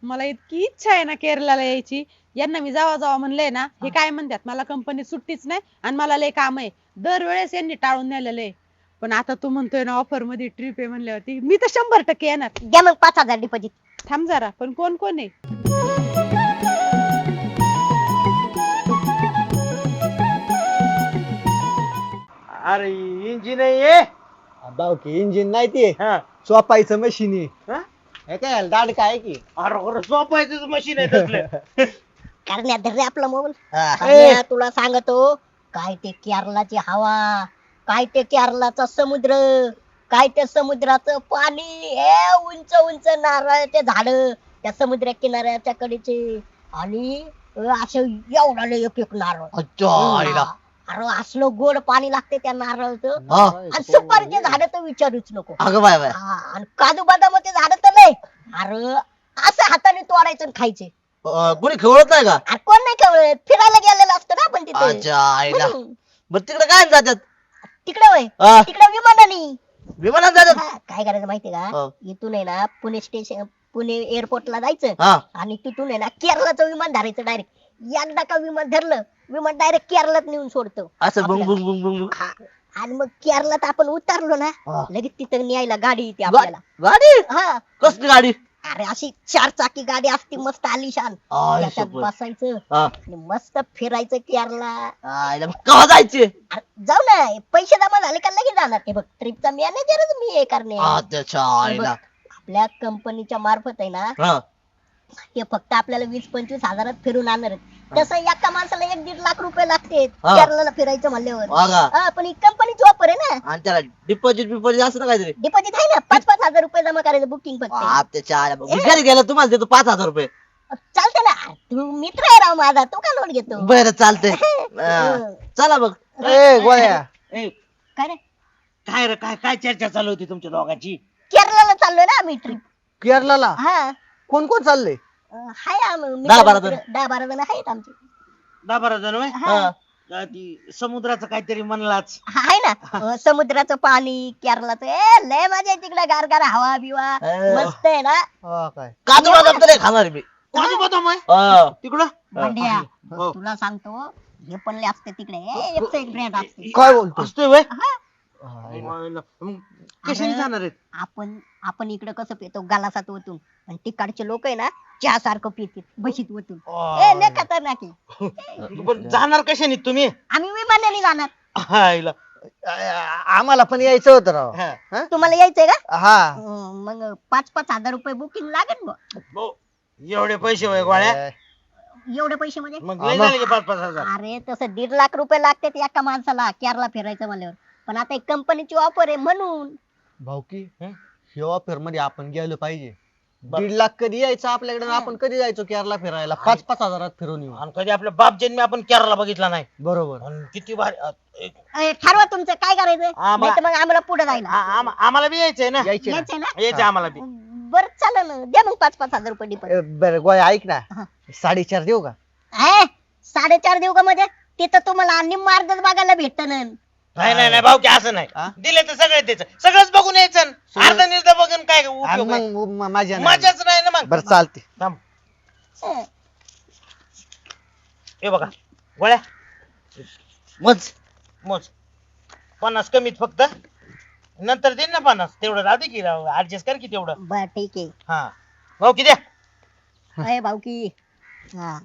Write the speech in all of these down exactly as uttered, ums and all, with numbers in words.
मला इतकी इच्छा आहे ना केरळला यायची. यांना मी जावा जावा म्हणलंय ना, हे काय म्हणतात मला कंपनीत सुट्टीच नाही आणि मला लय काम आहे. दरवेळेस यांनी टाळून नेलेलं आहे. पण आता तू म्हणतोय ना ऑफर मध्ये ट्रिप आहे म्हणल्यावरती मी तर शंभर टक्के येणार. द्या मग पाच हजार डिपॉझिट. थांब जरा, पण कोण कोण आहे? अरे इंजिन आहे भाऊ की इंजिन नाही ते हा चोपायचं मशीन हा? आहे काय दाड काय की अरे खरं झोपायचं मशीन आहे तसलं. करण्यात धर रे आपला मोबाईल. हा. करण्या, तुला सांगतो काय ते केरलाची हवा, काय ते केरलाचा समुद्र, काय ते समुद्राचं पाणी, हे उंच उंच नारळाचे झाड त्या समुद्र किनाऱ्याच्या कडेचे, आणि असं एवढा लय एक एक नारळ. अच्छा अरे असलं गोड पाणी लागते त्या नारळाचं. हा. आणि सुपारीचे झाड तर विचारूच नको. अगं बाय बाय हा, आणि काजू बदामाचे झाड तर नाही. अरे असं हाताने तोडायचं आणि खायचे. कोणी खेळत नाही का? अरे कोण नाही कळत, फिरायला गेलेलं असतं ना आपण तिथे. अच्छा आईला हम्म. बरं तिकडे काय जातात? तिकडे वय हा. तिकडे विमानाने. विमानात जातात? हा, काय करायचं माहितीये हा. का, इथून आहे ना पुणे स्टेशन, पुणे एअरपोर्टला जायचं हा आणि तिथून आहे ना केरळाचं विमान धरायचं डायरेक्ट. एकदा का विमान धरलं, विमान डायरेक्ट केरळात नेऊन सोडतं असं बुंग आपल्याला. बुंग बुंग बुंग हा. आणि मग केरळात आपण उतरलो ना, हा. लगेच तिथं न्यायला गाडी येते गा- आपल्याला. गाडी हा, कसली गाडी? अरे अशी चार चाकी गाडी असते मस्त आलिशान, आय त्याच्यात शपथ. बसायचं हा. आणि मस्त फिरायचं केरला. आईला मग केव्हा जायचे? अरे जाऊ ना, पैसे जमा झाले का लगेच जाणार. हे बघ ट्रिपचा मॅनेजरच मी हे करणे. अच्छा आईला आपल्या कंपनीच्या मार्फत आहे ना, हा ते फक्त आपल्याला वीस पंचवीस हजारात फिरून आणणार आहेत. तसं एका माणसाला एक दीड लाख रुपये लागते हा. केरळला फिरायचं म्हणल्यावर. बघा हा, पण ही कंपनीची ऑफर आहे ना. आणि त्याला डिपॉझिट बिपॉझिट असं ना काहीतरी? डिपॉझिट आहे ना, पाच पाच हजार रुपये जमा करायचं बुकिंग फक्त. बाप त्याच्या आईला. मी घरी गेलो तुम्हाला देतो पाच हजार रुपये. चालतं ना, तू मित्र आहे राव माझा, तू का लोट घेतो. बरं चालतंय. हा. चला मग. ए गोळ्या ए, काय रे, काय रे काय काय चर्चा चालू होती तुमच्या दोघांची? केरळला चाललोय ना आम्ही ट्रिप. केरळला हा, कोण कोण चाललंय? अं, हाय आम- मित्र- दहा बारा जण. मित्र- दहा बारा जण आहेत आमचे. दहा बारा जण होय? हा. का ती समुद्राचं काहीतरी म्हणलाच. आहे ना, अं, समुद्राचं पाणी केरळाचं, ए लय मजा आहे तिकडे, गारगार हवा बिवा अं. मस्त आहे ना. हा काय काजू बदाम तर नाही खाणार मी. काजू बदाम आहे हा. तिकडं? भांड्या, हो. तुला सांगतो हे पण लय असते तिकडे, ए, एकचं एक ब्रँड असते. काय बोलतो? असतोय होय? हा. मग कशाने अरे, जाणार आहेत? आपण आपण इकडे कसं पितो गालासात ओतून, आणि तिकडचे लोक आहे ना चहा सारखं पितात बशीत ओतून. ए लय खतरनाक आहे. बरं, जाणार कशाने तुम्ही? आम्ही विमानाने जाणार. हायला. आ- आम्हाला पण यायचं होतं राव. हा. तुम्हाला यायचंय का? हा अं, मग पाच पाच हजार रुपये बुकिंग लागेल मग. भाऊ, एवढे पैसे होय गोळ्या? एवढे पैसे म्हणजे? मग लय झाले की पाच पाच हजार. अरे तसं दीड लाख रुपये लागतात एका माणसाला केरला फिरायचं म्हणल्यावर. पण आता एक कंपनीची ऑफर आहे म्हणून. भाऊकी हं? हे ऑफर मध्ये आपण गेलो पाहिजे. बर. दीड लाख कधी यायचं आपल्याकडे आणि आपण कधी जायचो केरला फिरायला? पाच पाच हजारात फिरून येऊ. आणि कधी आपल्या बाप जन्मी आपण केरळला बघितला नाही. बरोबर. आणि किती भारी अ, एक- अं, ठरवा तुमचं काय करायचं, आम्हा- नाही मग आम्हाला पुढे जायला आ- आम- आम्हाला बी यायचंय ना. यायचे ना? यायचंय ना. यायचंय आम्हाला बी. बरं चालेल ना, द्या मग पाच पाच हजार रुपये डिपॉझिट. ए, बरं गोळ्या ऐक ना, हा. साडेचार देऊ का? ए, साडेचार देऊ का म्हणजे? तिथं तुम्हाला आणि मार्गच बघायला भेटत ना. नाही नाही नाही भाऊ की असं नाही. हा? दिले तर सगळं द्यायचं, सगळंच बघून यायचं. सगळं- अर्ध निर्ध बघून काय आणि उपयोग आहे? मग म- माझ्या नाही. मजाच नाही ना मग. बरं चालते. थांब. हं. हे बघा गोळ्या मज मोज पन्नास कमीत फक्त, नंतर देईन ना पन्नास. तेवढं राहू दे की राव, ऍडजस्ट कर की तेवढं. बर ठीक आहे. हा भाऊ किती द्या? अय भाऊ की, हा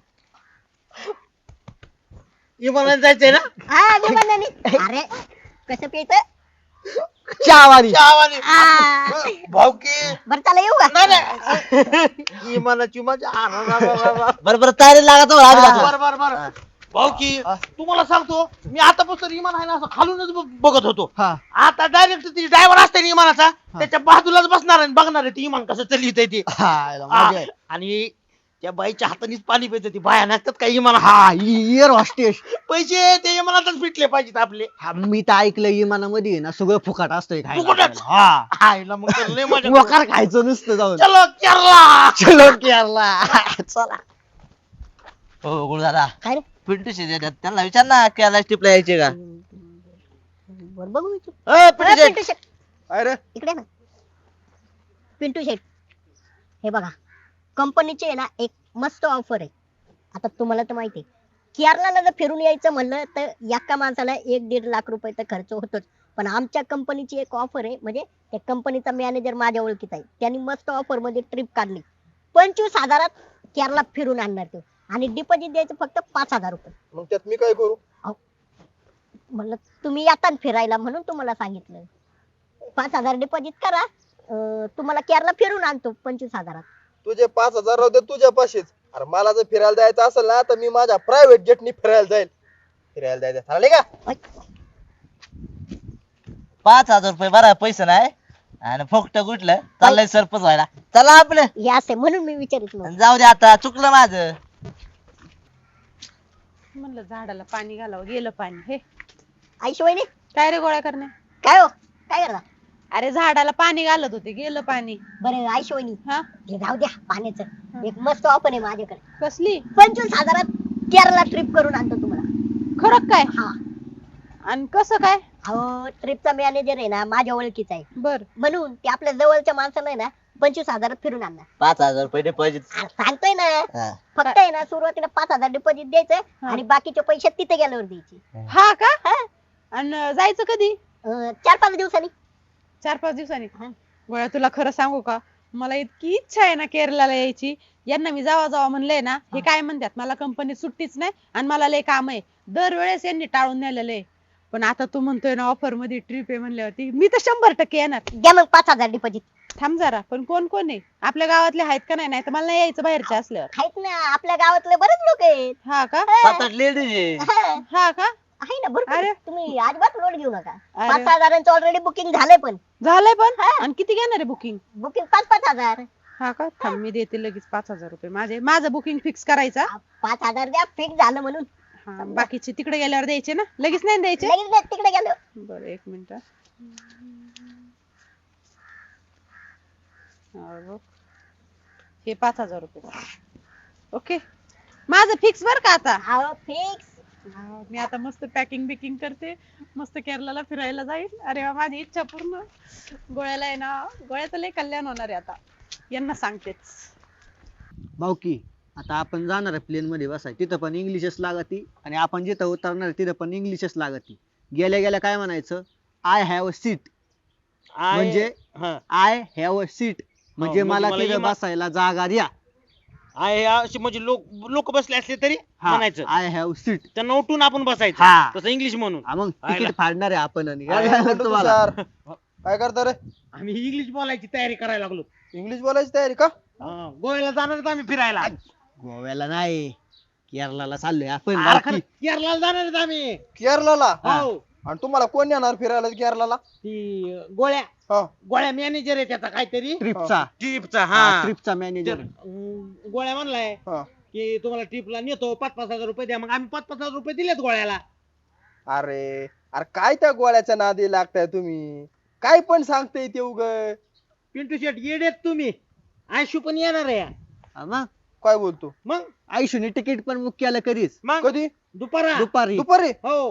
विमानात जायचंय ना? हा विमानाने. अरे कसं प्यायचं? चहावाली. चहावाली. हा. भाऊ की बरं चला येऊ का? नाही नाही विमानाची मजा. आ, रा, रा, रा, रा, रा. बरं बरं तयारी लागत हो, आम्ही जातो. बर बर बर भाऊ की तुम्हाला सांगतो, मी आतापासून विमान आहे ना असं खालूनच ब- बघत होतो. हा आता डायरेक्ट ती ड्रायव्हर असते ना विमानाचा, त्याच्या बाजूलाच बसणार आणि बघणार आहे ते विमान कसं चालली ते. हा, याला आ, मजा आहे. आणि त्या बाईच्या हातानेच पाणी पिते ती बाया नसतात काही विमान. हा हा इयर हॉस्टेस. पैसे ते विमानातच फिटले पाहिजेत आपले. हा मी तर ऐकलं विमानामध्ये आहे ना सगळं फुकट असतंय खायला फुकटच? आपल्याला. हा हायला मग तर लय मजा. मोकार खायचं नुसतं जाऊन. चलो केरला. चलो केरला. चला. हो गुरु दादा काय रे? पिंटू शेट येतात, त्यांना विचार ना केरला ट्रिपला यायचे का? बरं बघू विचार. अ, पिंटू अरे, शेट. पिंटू शेट अरे इकडे ना. पिंटू शेट हे बघा, कंपनीची आहे ना एक मस्त ऑफर आहे. आता तुम्हाला तर माहिती आहे केरळला जर फिरून यायचं म्हणलं तर एका माणसाला एक दीड लाख रुपये तर खर्च होतोच. पण आमच्या कंपनीची एक ऑफर आहे, म्हणजे त्या कंपनीचा मॅनेजर माझ्या ओळखीचा आहे, त्यांनी मस्त ऑफर मध्ये ट्रिप काढली. पंचवीस हजारात केरळला फिरून आणणार तो, आणि डिपॉझिट द्यायचं फक्त पाच हजार रुपये. मग त्यात मी काय करू? म्हणलं तुम्ही येतात फिरायला म्हणून तुम्हाला सांगितलं. पाच हजार डिपॉझिट करा, अं, तुम्हाला केरळला फिरून आणतो पंचवीस हजारात. तुझे पाच हजार राहू दे तुझ्या पाशीच. अरे मला जर फिरायला जायचं असेल ना तर मी माझ्या प्रायव्हेट जेटनी फिरायला जाईल. फिरायला जायचं ठरले का? पाच हजार रुपये बरा पैसे नाही आणि फक्त कुठलं चाललंय सरपंच व्हायला. चला आपलं हे असे म्हणून मी विचारित नव्हतं. जाऊ दे, आता चुकलं माझं. म्हणलं झाडाला पाणी घालावं, गेलं पाणी. हे आईशिवायने काय रे गोळ्या करणे? काय हो काय करता? अरे झाडाला पाणी घालत होते, गेलं पाणी. बरं आईशिवायनी हा हे जाऊ द्या, पाण्याचं एक मस्त ऑफर आहे माझ्याकडे. कसली? पंचवीस हजारात केरळला ट्रिप करून आणतो तुम्हाला. खरं काय? हा आणि कसं काय? अहो ट्रिपचा मॅनेजर आहे ना माझ्या ओळखीचा आहे, बर म्हणून ते आपल्या जवळच्या माणसाला आहे ना पंचवीस हजारात फिरून आणणार. पाच हजार रुपये डिपॉझिट. आ, सांगतोय ना, फक्त आहे ना सुरुवातीला पाच हजार डिपॉझिट द्यायचं हा. आणि बाकीचे पैसे तिथे गेल्यावर द्यायचे. हा का? हा. आणि जायचं कधी? अं, चार पाच दिवसांनी. चार पाच दिवसांनी. हा. गोळ्या तुला खरं सांगू का, मला इतकी इच्छा आहे ना केरळला यायची. यांना मी जावा जावा म्हणलंय ना, हे काय म्हणतात, मला कंपनीत सुट्टीच नाही आणि मला लय काम आहे. दरवेळेस यांनी टाळून नेलेलं आहे. पण आता तू म्हणतोय ना ऑफर मध्ये ट्रिप आहे म्हणल्यावरती मी तर शंभर टक्के येणार. द्या मग पाच हजार डिपॉझिट. थांब जरा, पण कोण कोण आहे आपल्या गावातले? आहेत का नाही? नाही तर मला नाही यायचं बाहेरचे असल्यावर. आहेत ना आपल्या गावातले बरेच लोक आहेत. हा का? सात आठ लेडीज आहे. हा, हा का? आहे ना भरपूर. अरे. तुम्ही अजिबात लोड घेऊ नका. अरे. पाच हजारांचं ऑलरेडी बुकिंग झालंय, पण झालंय पण. हा. आणि किती घेणार आहे बुकिंग? बुकिंग पाच पाच हजार. हा का? थांब मी देते लगेच पाच हजार रुपये. माझे माझं बुकिंग फिक्स करायचा. पाच हजार द्या, फिक्स झालं म्हणून. हा, बाकीचे तिकडे गेल्यावर द्यायचे ना, लगेच नाही द्यायचे? लगेच द्या, तिकडे गेलो. बरं एक मिनिट. हा, बघ. हे पाच हजार रुपये. ओके, माझं फिक्स बर का आता. अहो फिक्स. हा, मी आता मस्त पॅकिंग बिकिंग करते, मस्त केरळला फिरायला जाईल. अरे वा, माझी इच्छा पूर्ण. गोळ्याला आहे ना, गोळ्याचं लय कल्याण होणार आहे आता, यांना सांगतेच. भाऊकी आता आपण जाणार आहे प्लेन मध्ये बसाय, तिथं पण इंग्लिशच लागती आणि आपण जिथं उतरणार आहे तिथं पण इंग्लिशच लागती. गेल्या गेल्या काय म्हणायचं? I have a seat. म्हणजे आय हॅव अ सीट म्हणजे म्हणजे मला मला तिथं इमा- बसायला जागा द्या. आहे अशी म्हणजे लोक लोक बसले असले तरी म्हणायचं आय हॅव सीट. त्यांना उठून आपण हा. बसायचं तसं इंग्लिश म्हणून. मग आयला. तिकीट फाडणार आहे आपण आणि आयला. काय झालं तुम्हाला? काय करता रे? आम्ही इंग्लिश बोलायची तयारी करायला लागलो. इंग्लिश बोलायची तयारी का? हा, गोव्याला जाणार आहेत आम्ही फिरायला. गोव्याला नाही, केरळला चाललोय आपण. अरे भाऊकी. खरं, केरळला जाणार आहेत आम्ही. केरळला? हो. आणि तुम्हाला कोण येणार फिरायला केरळला? ती अं, गोळ्या हा. गोळ्या मॅनेजर आहे त्याचा काहीतरी ट्रिपचा ट्रिपचा. हा, हा ट्रिपचा तर, मॅनेजर. अं, गोळ्या म्हणलाय हा. की तुम्हाला ट्रिपला नेतो, पाच पाच हजार रुपये द्या. मग आम्ही पाच पाच हजार रुपये दिलेत गोळ्याला. अरे अरे काय त्या गोळ्याच्या नादी लागताय तुम्ही? काय पण सांगताय ते उग. पिंटू शेट येडेत तुम्ही. आयशू पण येणार आहे. हा, मग काय बोलतो? मग आयुष्याने तिकीट पण बुक केलं कधीच मग कधी? दुपारा. दुपारी. दुपारी? हो.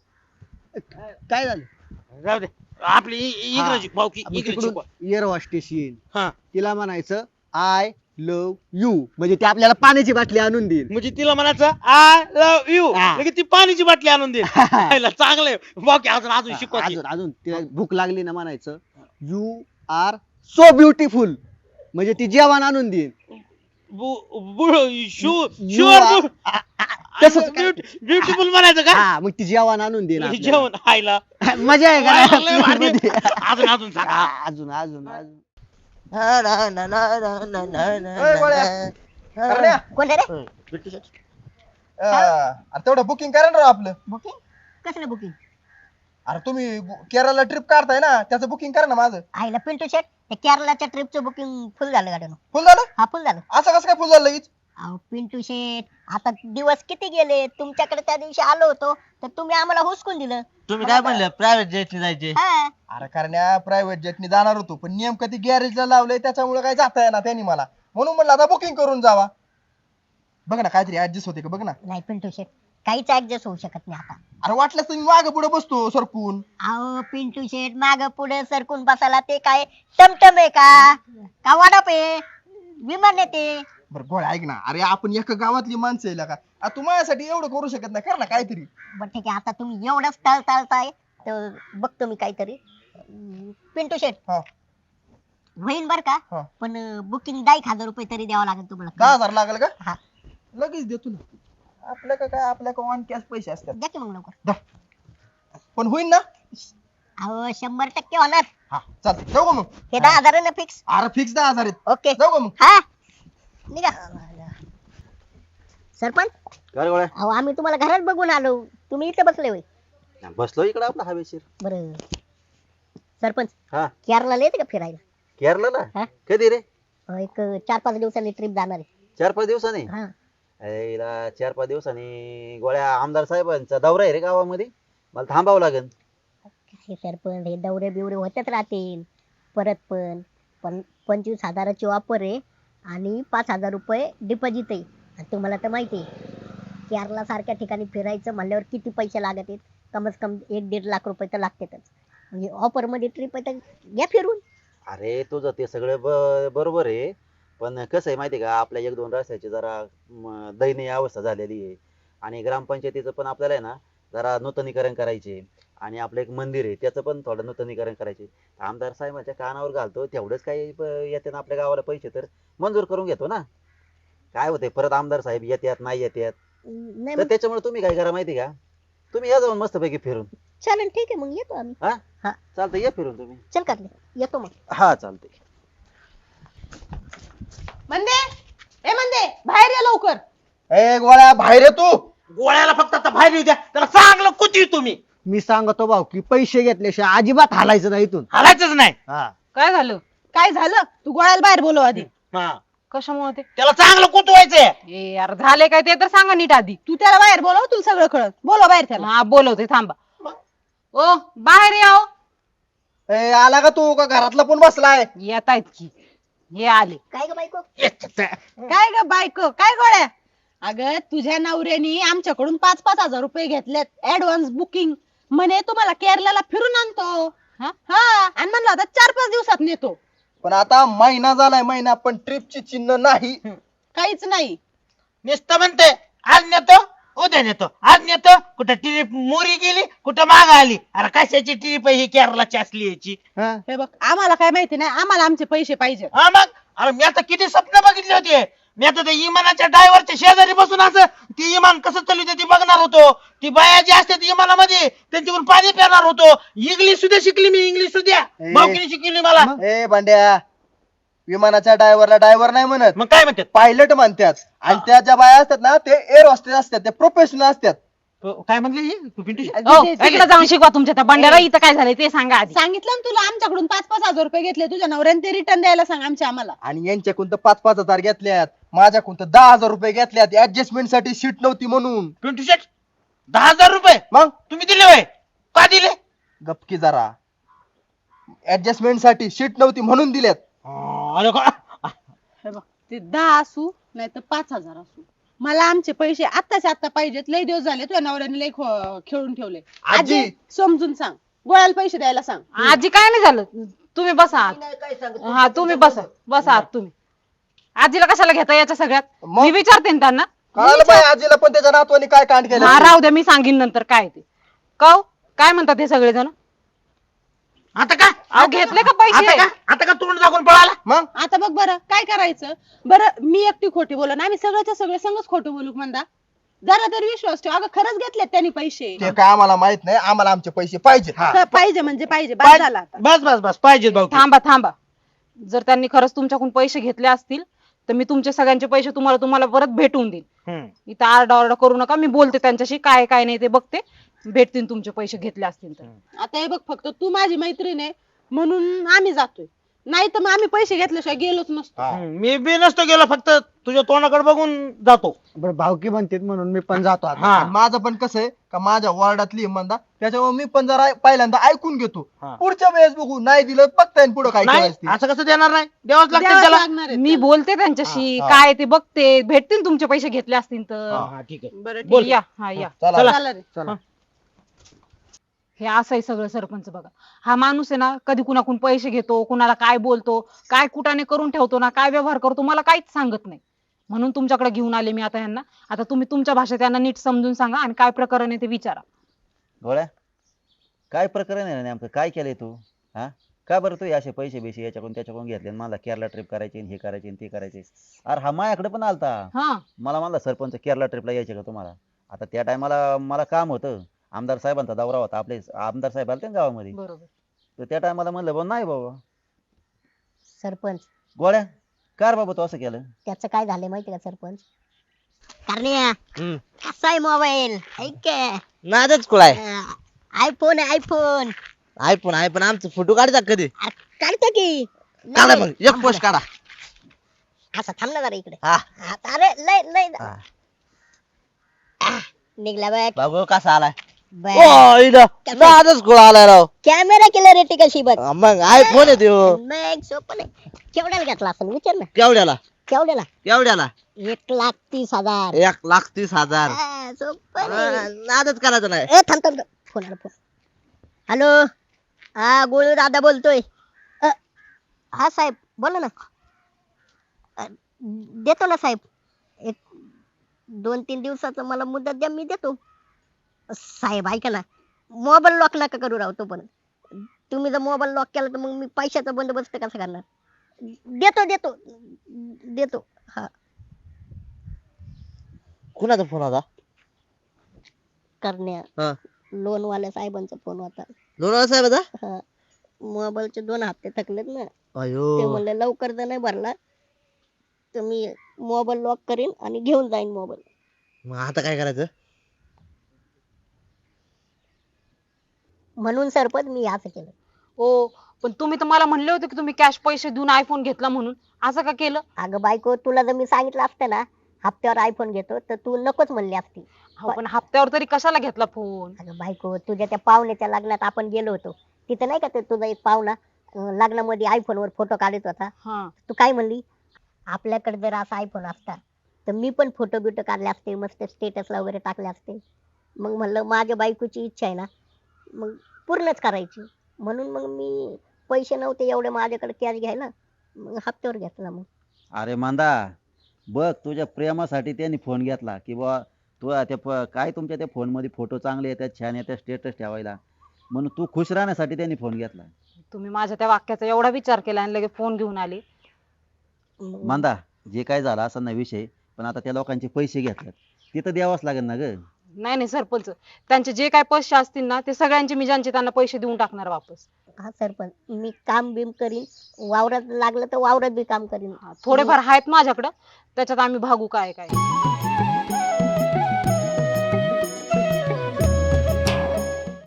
काय झालं? जाऊ दे, आपली इ- इंग्रजी भाऊकी आपण इंग्रजी तिकडून शिकवा. येरवा स्टेशन हा, तिला म्हणायचं आय लव्ह यू, म्हणजे ते आपल्याला पाण्याची बाटली आणून देईल. म्हणजे तिला म्हणायचं आय लव्ह यू, हा. लगेच ती पाण्याची बाटली आणून दे. चांगलंय भाऊकी, अजून अजून शिकवा की. अजून अजून तिला भूक लागली ना म्हणायचं यू आर सो ब्युटिफुल, म्हणजे ती जेवण आणून देईल. बु- बु- शू You शुअर are- आ- आ- तसंच काय? ब्युटिफुल म्हणायचं का? हा, मग ती जेवण आणून देईल आपल्याला. जेवण खायला. मजा आहे का वाह, लय भारी. नाही? अजून अजून सांगा. हा, अजून अजून अजून ना, ना, ना, ना, ना, ना, ना, ए, गोळ्या. ना. करण्या, कोण रे? अं, अरे तेवढं बुकिंग करा ना राव आपलं. बुकिंग कसलं बुकिंग? अरे तुम्ही गो- केरळला ट्रिप काढताय ना, त्याचं बुकिंग करा ना माझं. आईला पिंटू शेट, त्या केरळाच्या ट्रिपचं बुकिंग फुल झालं गाडीनं. फुल झालं? हा फुल झालं. असं कसं काय फुल झालं लगेच? अहो पिंटू शेट, आता दिवस किती गेले, तुमच्याकडे त्या दिवशी आलो होतो तर तुम्ही आम्हाला हुसकून दिलं. तुम्ही काय म्हणले प्रायव्हेट जेटने जायचे? हा. अरे करण्या प्रायव्हेट जेटनी जाणार होतो, पण नेमकं ती गॅरेजला लावलंय त्याच्यामुळे काय जाता येणार त्यांनी मला, म्हणून म्हणलं आता बुकिंग करून जावा. बघ ना काहीतरी ऍडजस्ट होते का बघ ना. नाही पिंटू शेट, काहीच ऍडजस्ट होऊ शकत नाही आता. अरे वाटलंच तर मी मागे पुढे बसतो सरकून. अहो पिंटू शेट, माग पुढे सरकून बसायला ते काय टमटम आहे का का वाडप आहे? विमान येते. बरं गोळ्या ऐक ना, अरे आपण एका गावातली माणसं आहे का, आ, तू माझ्यासाठी एवढं करू शकत नाही, कर ना काहीतरी. बरं ठीक आहे, आता तुम्ही एवढंच टाळ टाळताय तर बघतो मी काहीतरी. अं, पिंटू शेट हा होईन बर का, हा. पण बुकिंग दहा एक हजार रुपये तरी द्यावं लागेल दहा तुम्हाला. हजार लागेल का? हा लगेच देतो ना. आपल्या का काय, आपल्या का ऑन कॅश पैसे असतात. द्या की मग लवकर. दा. पण होईल ना? अहो शंभर टक्के होणार. हा चालतं, जाऊ का मग? हे दहा हजार फिक्स. अरे फिक्स दहा हजार आहेत. ओके जाऊ का मग? हा निघा. सरपंच काय रे गोळ्या? अहो आम्ही तुम्हाला घरात बघून आलो, तुम्ही इथे बसले होय. बसलो इकडे आपला हवेशीर. बरं सरपंच हा केरळला येते का फिरायला? केरला हा? ना कधी रे? अहो, एक चार पाच दिवसांनी ट्रिप जाणार आहे. चार पाच दिवसांनी? हा अरे हिला चार पाच दिवसांनी गोळ्या आमदार साहेबांचा दौरा आहे रे गावामध्ये, मला थांबावं लागेल. काय सरपंच हे दौरे बिवरे होतच राहतील. परत पण पण पंचवीस हजाराची ऑफर आहे आणि पाच हजार रुपये डिपॉझिट आहे. आणि तुम्हाला तर माहिती आहे केरला सारख्या ठिकाणी फिरायचं म्हणल्यावर किती पैसे लागत आहेत, कमीत कमी एक दीड लाख रुपये तर लागतातच. म्हणजे ऑफर मध्ये ट्रिप आहे तर घ्या फिरून. अरे तुझं ते सगळं ब- बरोबर आहे, पण कसं आहे माहिती आहे का, आपल्या एक दोन रस्त्याची जरा म, दयनीय अवस्था झालेली आहे आणि ग्रामपंचायतीचं पण आपल्याला आहे ना जरा नूतनीकरण करायचे आणि आपलं एक मंदिर आहे त्याचं पण थोडं नूतनीकरण करायचे. आमदार साहेबांच्या कानावर घालतो तेवढंच काही प- येते ना आपल्या गावाला पैसे तर मंजूर करून घेतो ना. काय होते परत आमदार साहेब येतात नाही येतात, नाही तर मग त्याच्यामुळे तुम्ही काय करा माहिती का, तुम्ही या जाऊन मस्तपैकी फिरून. चालेल ठीक आहे मग येतो आम्ही. हा हा चालतं, या फिरून तुम्ही. चल का येतो मग. हा चालतंय. म्हणते ए म्हणते बाहेर या लवकर. ए गोळ्या बाहेर ये तू. गोळ्याला फक्त आता बाहेर येऊ द्या, त्याला चांगलं कुती तुम्ही. मी सांगतो भाऊ की पैसे घेतल्याशिवाय अजिबात हालायचं नाही इथून. हलायचंच नाही. हा काय झालं काय झालं? तू गोळ्याला बाहेर बोलव आधी. हा कशामुळे ते त्याला चांगलं कुतवायचंय. ए यार झाले काय ते तर सांगा नीट आधी. तू त्याला बाहेर बोलव, तुला सगळं कळत. बोलव बाहेर त्याला. हा बोलवते थांबा. ओ बाहेर याव. ए आला का तू, का घरातला पण बसलाय? येत आहेत की हे आले. काय ग बायको? काय ग बायको काय गोळ्या? अगं तुझ्या नवऱ्यानी आमच्याकडून पाच पाच हजार रुपये घेतलेत ऍडव्हान्स बुकिंग, म्हणे तुम्हाला केरळला फिरून आणतो. हा? हा आणि म्हणलं आता चार पाच दिवसात नेतो. पण आता महिना झालाय, महिना पण ट्रिपची चिन्ह नाही. काहीच नाही. नुसतं म्हणते आज नेतो उद्या नेतो, आज नेतो, कुठं ट्रिप मोरी गेली कुठं माग आली. अरे कशाची ट्रिप ही केरळाची असली याची. हा? हे बघ आम्हाला काय माहिती नाही, आम्हाला आमचे पैसे पाहिजे. हा मग अरे मी आता किती स्वप्न बघितले होते. मी आता त्या इमानाच्या ड्रायव्हरच्या शेजारी बसून असं ती इमान कसं चालू ती बघणार होतो. ती बाया जी असते ती इमानामध्ये त्यांच्याकडून पाणी पिणार होतो. इंग्लिश सुद्धा शिकली मी, इंग्लिश सुद्धा ए. भाऊकीने शिकली मला. ए भांड्या, विमानाच्या ड्रायव्हरला ड्रायव्हर नाही म्हणत, मग काय म्हणतात? पायलट म्हणतात. आणि त्या ज्या बाया असतात ना ते एअर हॉस्टेस असतात, ते प्रोफेशनल असतात. काय म्हणले ही? तू पिंटू शेट? ओ, ते- ते- इकडे जाऊन शिकवा तुमच्या त्या बंड्याला. इथं काय झालंय ते सांगा आधी. सांगितलं ना तुला, आमच्याकडून पाच पाच हजार रुपये घेतले तुझ्या नवऱ्याने, ते रिटर्न द्यायला सांग आमच्या आम्हाला. आणि यांच्याकडून तर पाच पाच हजार घेतल्यात, माझ्याकडून तर दहा हजार रुपये घेतल्यात ऍडजस्टमेंट साठी सीट नव्हती म्हणून. पिंटू शेट दहा हजार रुपये मग तुम्ही दिले होय? का दिले? गपकी जरा, ऍडजस्टमेंट साठी सीट नव्हती म्हणून दिल्यात. अरे का- हे बघ ते दहा असू नाही तर पाच हजार असू, मला आमचे पैसे आत्ताच्या आत्ता पाहिजेत. लय दिवस झाले तुझ्या नवऱ्याने लय खो- खेळून ठेवले. आजी. आजी समजून सांग, गोळ्याला पैसे द्यायला सांग. आजी काय नाही झालं, तुम्ही बसा आत. हा तुम्ही बसा बसा आत तुम्ही. आजीला कशाला घेता याच्या सगळ्यात? मग? मी विचारते ना त्यांना. कळालं बाई आजीला पण त्याच्या नातवानी काय कांड केलं. हा राहू द्या, मी सांगीन नंतर काय ते. कव काय म्हणतात हे सगळेजण? आता का अहो घेतले का आता पैसे? का आता का तोंड दाखवून पळाला? मग आता बघ बरं काय करायचं. बरं मी एकटी खोटी बोलू ना, आम्ही सगळ्याच्या सगळे संगच खोटं बोलू म्हणता. जरा तरी विश्वास ठेव. अगं खरंच घेतलेत त्यांनी पैसे. ते काय आम्हाला माहित नाही, आम्हाला आमचे पैसे पाहिजे. तर पाहिजे म्हणजे पाहिजे, बाद झाला आता. बस बस बस पाहिजे भाऊ. थांबा थांबा. जर त्यांनी खरंच तुमच्याकडून पैसे घेतले असतील तर मी तुमचे सगळ्यांचे पैसे तुम्हाला तुम्हाला परत भेटवून देईन. इथं आरडा ओरडा करू नका. मी बोलते त्यांच्याशी, काय काय नाही ते बघते. भेटतील तुमचे पैसे घेतले असतील तर. आता हे बघ फक्त तू माझी मैत्रीण आहे म्हणून आम्ही जातोय, नाही तर मग आम्ही पैसे घेतल्याशिवाय गेलोच नसतो. मी बी नसतो गेलो, फक्त तुझ्या तोंडाकडे बघून जातो. बरं भावकी म्हणतात म्हणून मी पण जातो आता. हा आणि माझं पण कसं आहे का माझ्या वॉर्डातली इमानदार, त्याच्यामुळे मी पण जरा पहिल्यांदा ऐकून घेतो. हा. पुढच्या वेळेस बघू, नाही दिलं बघता येईल पुढे काय नाही करायचं ते. असं कसं देणार नाही, द्यावंच लागतं द्यावंच त्याला. लागणार आहे मी त्याला. बोलते त्यांच्याशी, हा, हा. काय ते बघते. भेटतील तुमचे पैसे घेतले असतील तर. हा, हा, ठीक आहे. बरं ठीक बोल. आहे. या हा या. चला चला. चला रे. चला. हे असं आहे सगळं सरपंच बघा. हा माणूस आहे ना कधी कुणाकडून पैसे घेतो, कुणाला काय बोलतो, काय कुटाने करून ठेवतो ना, काय व्यवहार करतो मला काहीच सांगत नाही. म्हणून तुमच्याकडे घेऊन आले मी आता ह्यांना. आता तुम्ही तुमच्या भाषेत त्यांना नीट समजून सांगा आणि काय प्रकरण आहे ते विचारा. गोळ्या काय प्रकरण आहे नेमकं, काय केलंय तू? हा का बरं तू हे असे पैसे बिशे याच्याकडून त्याच्याकडून घेतले आणि मला केरला ट्रिप करायची आणि हे करायची आणि ते करायचे? अरे हा माझ्याकडे पण आलता, हा मला म्हणला सरपंच केरला ट्रिपला यायचे का तुम्हाला? आता त्या टायमाला मला काम होतं, आमदार साहेबांचा दौरा होता, आपले आमदार साहेब आलते ना गावामध्ये, बरोबर. तर त्या टायमाला म्हणलं बाबा नाही बाबा. सरपंच गोळ्या कार बाबा तू असं केलं? त्याचं काय झालंय माहिती का सरपंच? करण्या कसा आहे मोबाईल ऐक नादच कुळाय आयफोन आयफोन आयफोन आयफोन आमचं फोटो काढतात कधी? काढतो की काढा नाही, मग एक पोस्ट काढा. असं थांब ना जरा इकडे हा हा, अरे लय लय हा. निघला बघ बाबू कसा आलाय? बघ. ओ इथं नादच कुळा आलाय राव. कॅमेरा क्लॅरिटी कशी बघ. मग आयफोन आहे त्यो. मग सोपं नाही. केवढ्याला घेतला असं विचार ना. केवढ्याला केवढ्याला? केवढ्याला? एक लाख तीस हजार. एक लाख तीस हजार. हा, सोपं हा, नाही. नादच करायचं नाही. ए थांब थांब फोन आला फोन. हॅलो हा गोळू दादा बोलतोय. अ, हा साहेब बोला ना. अ, देतो ना साहेब. एक दोन तीन दिवसाचं मला मुदत द्या मी देतो. साहेब ऐका ना मोबाईल लॉक नका करू राहतो पण तुम्ही जर मोबाईल लॉक केला तर मग मी पैशाचा बंदोबस्त कसा करणार? देतो देतो देतो हा. कुणाचा फोन होता? करण्या हा लोन वाल्या साहेबांचा फोन होता. लोणावळा साहेबाचा? हा मोबाईलचे दोन हप्ते थकलेत ना. ते अयो म्हणले लवकर जर नाही भरला तर मी मोबाईल लॉक करीन आणि घेऊन जाईन मोबाईल. मग आता काय करायचं? म्हणून सरपंच मी असं केलं. हो पण तुम्ही तर मला म्हणले होते की तुम्ही कॅश पैसे देऊन आयफोन घेतला म्हणून, असं का केलं? अगं बायको तुला जर मी सांगितलं असतं ना हप्त्यावर आयफोन घेतो तर तू नकोच म्हणली असती. अहो, पण हप्त्यावर तरी कशाला घेतला फोन? अगं बायको तुझ्या त्या पाहुण्याच्या लग्नात आपण गेलो होतो तिथं नाही का ते तुझा एक पाहुणा अं, लग्नामध्ये आयफोन वर फोटो काढत होता. हा तू काय म्हणली आपल्याकडे जर असा आयफोन असता तर मी पण फोटो बिटो काढले असते मस्त स्टेटसला वगैरे टाकले असते. मग म्हणलं माझ्या बायकोची इच्छा आहे ना मग पूर्णच करायची म्हणून मग मी पैसे नव्हते एवढे माझ्याकडे कॅश घ्यायला मग हप्त्यावर घेतला. मग अरे मांदा बघ तुझ्या प्रेमासाठी त्यांनी फोन घेतला की बा तू त्या प- काय तुमच्या त्या फोन मध्ये फोटो चांगले येतात छान येतात स्टेटस ठेवायला म्हणून तू खुश राहण्यासाठी त्यांनी फोन घेतला. तुम्ही माझ्या त्या वाक्याचा एवढा विचार केला आणि लगेच फोन घेऊन आले. मग मांदा जे काय झालं असा नाही विषय, पण आता त्या लोकांचे पैसे घेतल्यात तिथं द्यावंच लागेल ना ग. नाही नाही सरपंच, त्यांचे जे काय पैसे असतील ना ते सगळ्यांचे मी ज्यांचे त्यांना पैसे देऊन टाकणार वापस. हा सरपंच मी काम बिम करीन वावरात लागलं तर वावरात बी काम करीन. हा, थोडेफार आहेत माझ्याकडं, त्याच्यात आम्ही भागू काय काय.